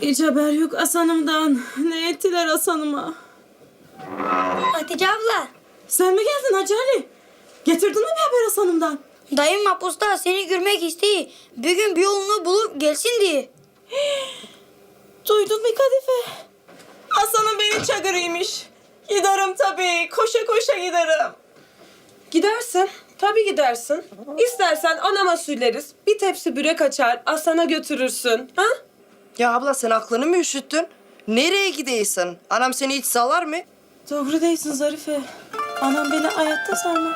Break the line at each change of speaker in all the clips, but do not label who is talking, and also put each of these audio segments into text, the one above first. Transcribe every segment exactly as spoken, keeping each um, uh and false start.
Hiç haber yok Hasan'ımdan. Ne ettiler Hasan'ıma?
Hatice abla,
Sen mi geldin Hacı Ali? Getirdin mi bir haber Hasan'ımdan?
dayım mahpusta seni görmek istiyor. Bir gün bir yolunu bulup gelsin diye.
Duydun mu Kadife? Hasan'ım beni çağırıymış. Giderim tabii. Koşa koşa giderim.
Gidersin. Tabii gidersin. İstersen anama söyleriz. Bir tepsi börek açar, Aslan'a götürürsün. Ha?
Ya abla sen aklını mı üşüttün? Nereye gidiyorsun? Anam seni hiç salar mı?
Doğru değilsin Zarife. Anam beni hayatta sarmaz.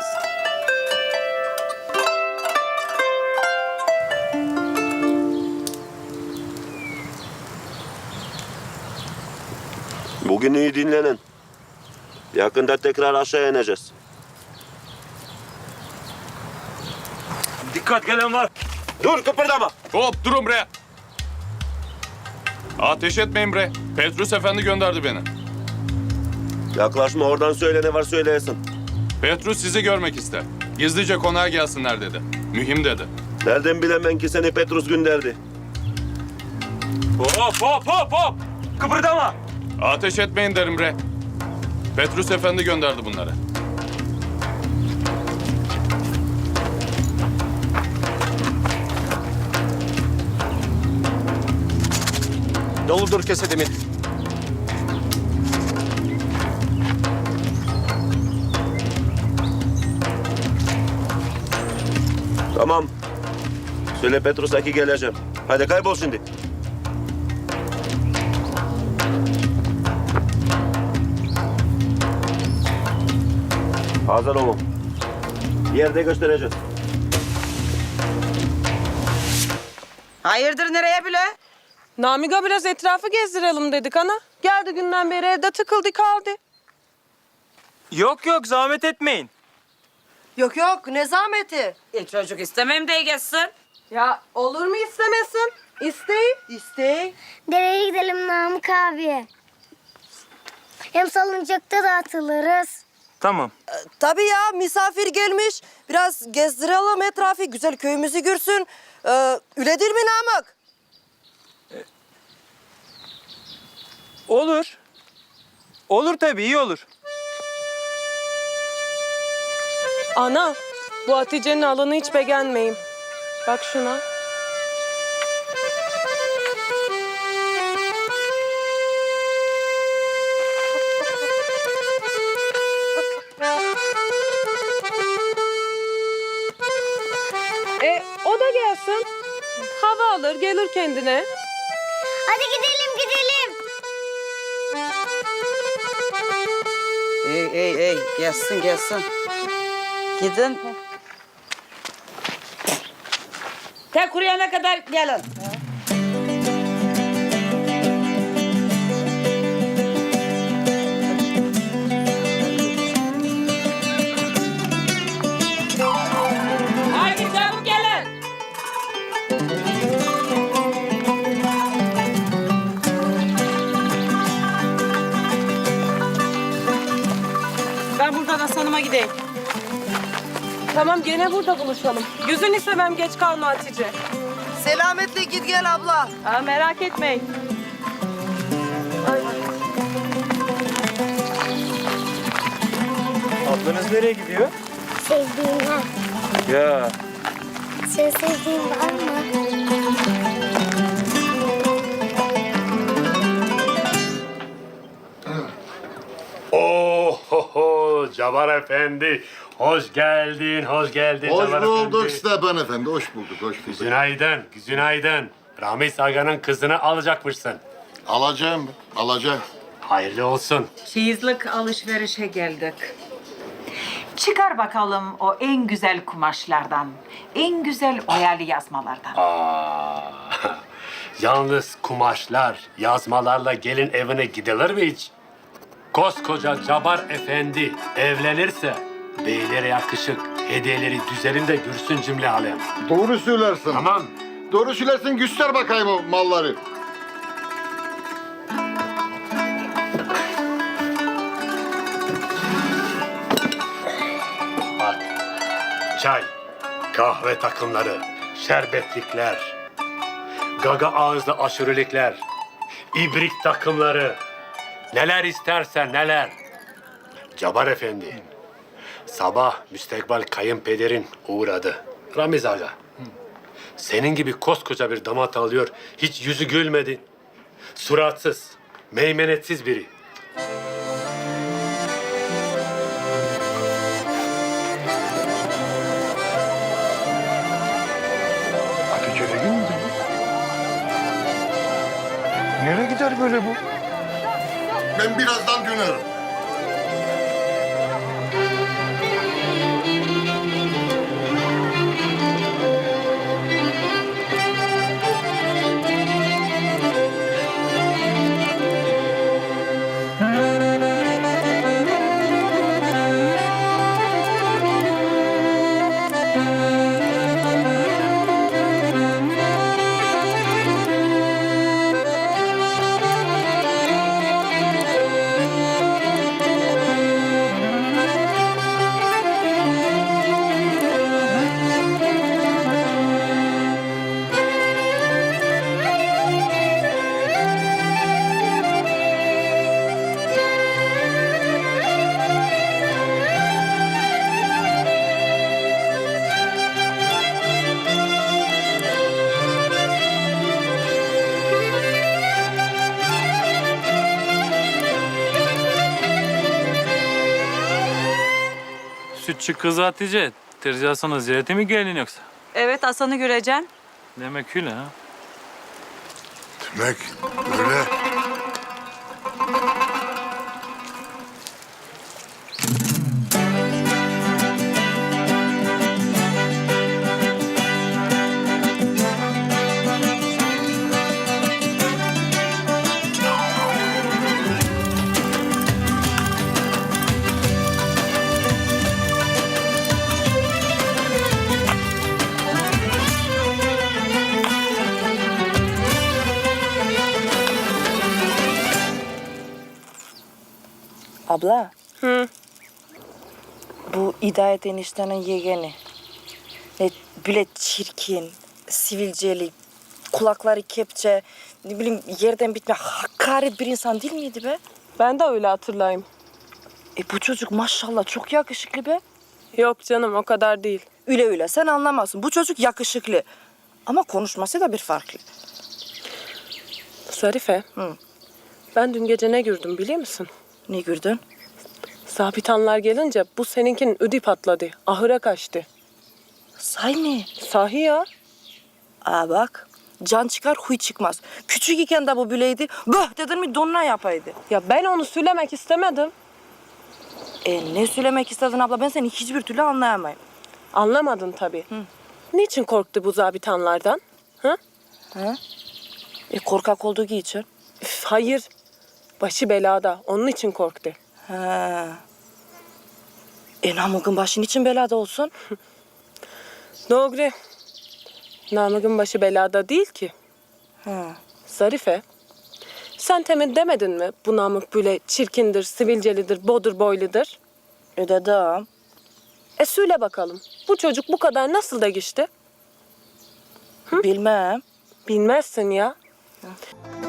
Bugün iyi dinlenin. Yakında tekrar aşağı ineceğiz.
Dikkat, gelen var.
Dur, kıpırdama.
Hop durun bre. Ateş etmeyin bre. Petrus Efendi gönderdi beni.
Yaklaşma, oradan söyle, ne var söyleyesin.
Petrus sizi görmek ister. Gizlice konağa gelsinler dedi. Mühim dedi.
Nereden bilemem ki seni Petrus gönderdi?
Hop hop hop hop. Kıpırdama.
Ateş etmeyin derim bre. Petrus Efendi gönderdi bunları.
Doludur kesedimin.
Tamam. Söyle Petrus'a ki geleceğim. Hadi kaybol şimdi. Hazır olun. Yerde göstereceğiz.
Hayırdır nereye bile?
Namiga biraz etrafı gezdirelim dedik ana. Geldi günden beri evde tıkıldı kaldı.
Yok yok, zahmet etmeyin.
Yok yok ne zahmeti?
E çocuk istemem de geçsin.
Ya olur mu istemesin? İstey.
İstey.
Dereye gidelim Namık abi. Hem salıncakta da atılırız.
Tamam.
Tabii ya misafir gelmiş. Biraz gezdirelim etrafı. Güzel köyümüzü görsün. Ee, öyle değil mi Namık?
Olur. Olur tabii, iyi olur.
Ana, bu Hatice'nin alanı hiç beğenmeyim. Bak şuna. E, o da gelsin. Hava alır, gelir kendine.
Hadi gidelim gidelim.
Ey ey ey gelsin gelsin. Gidin. Tek kuruyana kadar gelin. Haydi çabuk gelin.
Ben buradan Hasan'ıma gideyim.
Tamam, gene burada buluşalım. Yüzünü sevmem, geç kalma Hatice.
Selametle git gel abla.
Aa, merak etmeyin.
Ablanız nereye gidiyor?
Sevdiğine.
Ya.
Sen sevdiğin var mı?
Oho, Cabar Efendi. Hoş geldin, hoş geldin
Hoş
Cabar
bulduk
Efendi.
Stepan Efendi, hoş bulduk, hoş bulduk.
Günaydın, günaydın. Ramiz Aga'nın kızını alacakmışsın.
Alacağım, alacağım.
Hayırlı olsun.
Çeyizlik alışverişe geldik. Çıkar bakalım o en güzel kumaşlardan, en güzel oyalı yazmalardan.
Aa, yalnız kumaşlar, yazmalarla gelin evine gidilir mi hiç? Koskoca Cabar Efendi evlenirse beylere yakışık hediyeleri düzelim de görsün cümle alem.
Doğru söylersin.
Tamam.
Doğru söylersin, göster bakayım o malları.
Bak, çay, kahve takımları, şerbetlikler, gaga ağızlı aşurelikler, ibrik takımları, neler istersen neler. Cabbar Efendi, sabah müstekbel kayınpederin uğradı. Ramiz Aga, senin gibi koskoca bir damat alıyor, hiç yüzü gülmedi. Suratsız, meymenetsiz biri.
Hatice'ye gitti mi? Nereye gider böyle bu? Ben birazdan dönerim.
Sütçü kız Hatice. Terzi Hasan'a ziyarete mi geldin yoksa?
Evet, Hasan'ı göreceksin.
Demek öyle ha.
Demek öyle.
Abla,
Hı.
bu Hidayet eniştenin yeğeni. Ne böyle çirkin, sivilceli, kulakları kepçe, ne bileyim yerden bitme hakaret bir insan değil miydi be?
Ben de öyle hatırlayayım.
E bu çocuk maşallah çok yakışıklı be.
Yok canım, o kadar değil.
Öyle öyle sen anlamazsın. Bu çocuk yakışıklı. Ama konuşması da bir farklı.
Zarife,
Hı.
ben dün gece ne gördüm biliyor musun?
Ne gördün?
Zabitanlar gelince bu seninkinin ödü patladı. Ahıra kaçtı.
Say mı?
Sahi ya.
Aa bak, can çıkar huy çıkmaz. Küçük iken de bu böyleydi. Böh dedin mi donuna yapaydı.
Ya ben onu söylemek istemedim.
E ne söylemek istedin abla? Ben seni hiçbir türlü anlayamayım.
Anlamadın tabii. Niçin korktu bu zabitanlardan? Hı?
E korkak olduğu için.
Üf, hayır. Başı belada. Onun için korktu.
He. E Namık'ın başın için belada olsun.
Doğru. Namık'ın başı belada değil ki.
He.
Zarife, sen temin demedin mi bu Namık böyle çirkindir, sivilcelidir, bodur boyludur?
E dedim.
E söyle bakalım. Bu çocuk bu kadar nasıl da geçti?
Bilmem.
Bilmezsin ya.